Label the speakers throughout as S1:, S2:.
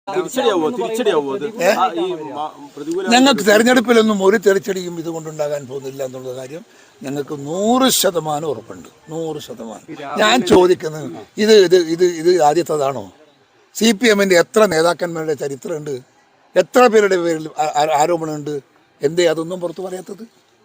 S1: ഞങ്ങൾക്ക് തെരഞ്ഞെടുപ്പിലൊന്നും ഒരു തിരിച്ചടിയും ഇതുകൊണ്ടുണ്ടാകാൻ പോകുന്നില്ല എന്നുള്ള കാര്യം ഞങ്ങൾക്ക് 100% ഉറപ്പുണ്ട്. 100%. ഞാൻ ചോദിക്കുന്നത് ഇത് ഇത് ഇത് ഇത് ആദ്യത്തേതാണോ? CPM-ന്റെ എത്ര നേതാക്കന്മാരുടെ ചരിത്രമുണ്ട്? എത്ര പേരുടെ പേരിൽ ആരോപണമുണ്ട്? എന്തേ അതൊന്നും പുറത്തു പറയാത്തത്?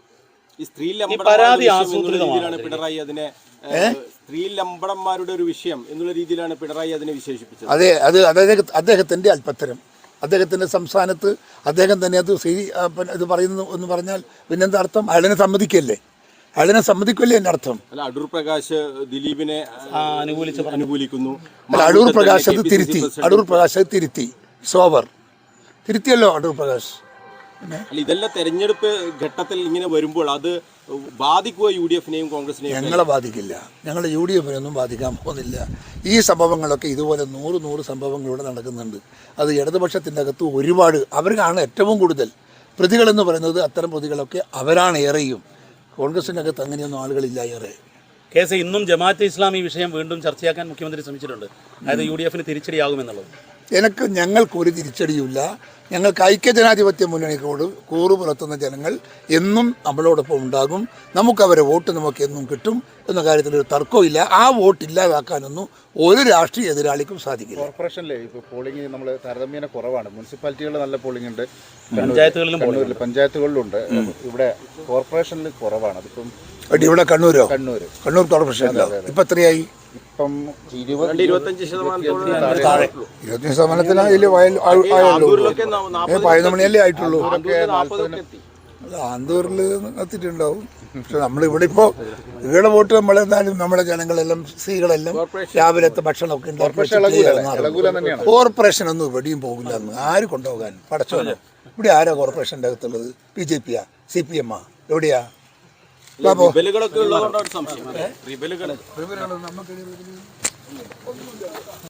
S2: സ്ത്രീലമ്പടന്മാരുടെ ഒരു വിഷയം എന്നുള്ള രീതിയിലാണ് പിണറായി അതിനെ വിശേഷിപ്പിച്ചത്.
S1: അതെ, അത് അദ്ദേഹത്തിൻ്റെ അല്പത്തരം. അദ്ദേഹത്തിൻ്റെ സംസ്ഥാനത്ത് അദ്ദേഹം തന്നെ അത് ഇത് പറയുന്നു എന്ന് പറഞ്ഞാൽ പിന്നെന്താ അർത്ഥം? അയാളിനെ സമ്മതിക്കല്ലേ? അയാളിനെ സമ്മതിക്കല്ലേ എൻ്റെ അർത്ഥം?
S2: അല്ല, അടൂർ പ്രകാശ് ദിലീപിനെ അനുകൂലിക്കുന്നു.
S1: അല്ല, അടൂർ പ്രകാശ് അത് തിരുത്തി. അടൂർ പ്രകാശ് അത് തിരുത്തി. സോവർ തിരുത്തിയല്ലോ അടൂർ പ്രകാശ്.
S2: അല്ല, ഇതെല്ലാം തെരഞ്ഞെടുപ്പ് ഘട്ടത്തിൽ ഇങ്ങനെ വരുമ്പോൾ അത് ബാധിക്കുക UDF-നെയും കോൺഗ്രസിനെയും?
S1: ഞങ്ങളെ ബാധിക്കില്ല. ഞങ്ങൾ UDF-നെയൊന്നും ബാധിക്കാൻ പോകുന്നില്ല. ഈ സംഭവങ്ങളൊക്കെ ഇതുപോലെ 100 സംഭവങ്ങളിലൂടെ നടക്കുന്നുണ്ട്. അത് ഇടതുപക്ഷത്തിൻ്റെ അകത്ത് ഒരുപാട് അവർക്കാണ് ഏറ്റവും കൂടുതൽ പ്രതികളെന്ന് പറയുന്നത്. അത്തരം പ്രതികളൊക്കെ അവരാണ് ഏറെയും. കോൺഗ്രസിൻ്റെ അകത്ത് അങ്ങനെയൊന്നും ആളുകളില്ല ഏറെ.
S3: കേസ് ഇന്നും ജമാഅത്തെ ഇസ്ലാമി വിഷയം വീണ്ടും ചർച്ചയാക്കാൻ മുഖ്യമന്ത്രി ശ്രമിച്ചിട്ടുണ്ട്. അതായത് UDF-ന് തിരിച്ചടിയാകുമെന്നുള്ളത്.
S1: ഞങ്ങൾക്കൊരു തിരിച്ചടിയുമില്ല. ഞങ്ങൾക്ക് ഐക്യജനാധിപത്യ മുന്നണിയോട് കൂറ് പുലർത്തുന്ന ജനങ്ങൾ എന്നും നമ്മളോടൊപ്പം ഉണ്ടാകും. നമുക്കവരെ വോട്ട് നമുക്ക് എന്നും കിട്ടും എന്ന കാര്യത്തിലൊരു തർക്കമില്ല. ആ വോട്ട് ഇല്ലാതാക്കാനൊന്നും ഒരു രാഷ്ട്രീയ എതിരാളിക്കും സാധിക്കില്ല.
S4: കോർപ്പറേഷനിലെ ഇപ്പോൾ പോളിംഗ് നമ്മൾ താരതമ്യേന കുറവാണ്. മുനിസിപ്പാലിറ്റികളിൽ നല്ല പോളിംഗ് ഉണ്ട്, പഞ്ചായത്തുകളിലുണ്ട്. ഇവിടെ കോർപ്പറേഷനിൽ കുറവാണ്. അതിപ്പം
S1: ഇവിടെ കണ്ണൂർ കോർപ്പറേഷൻ ഇപ്പം എത്രയായി?
S4: ഇപ്പം
S1: 25%. അതിൽ 11 മണിയല്ലേ ആയിട്ടുള്ളൂ. ആന്തൂരിൽ എത്തിയിട്ടുണ്ടാവും. പക്ഷെ നമ്മളിവിടെ ഇപ്പോൾ ഇവിടെ വോട്ട് നമ്മളെന്തായാലും നമ്മുടെ ജനങ്ങളെല്ലാം സ്ത്രീകളെല്ലാം രാവിലത്തെ ഭക്ഷണമൊക്കെ ഉണ്ടാക്കി. കോർപ്പറേഷനൊന്നും ഇവിടെയും പോകില്ല എന്ന് ആര് കൊണ്ടുപോകാൻ? പടച്ചോനോ? ഇവിടെ ആരാ കോർപ്പറേഷൻ്റെ അകത്തുള്ളത്? BJP-യാ? CPM-ആ? എവിടെയാ?
S2: റിബലുകളൊക്കെ ഉള്ളതുകൊണ്ടാണ് സംശയം.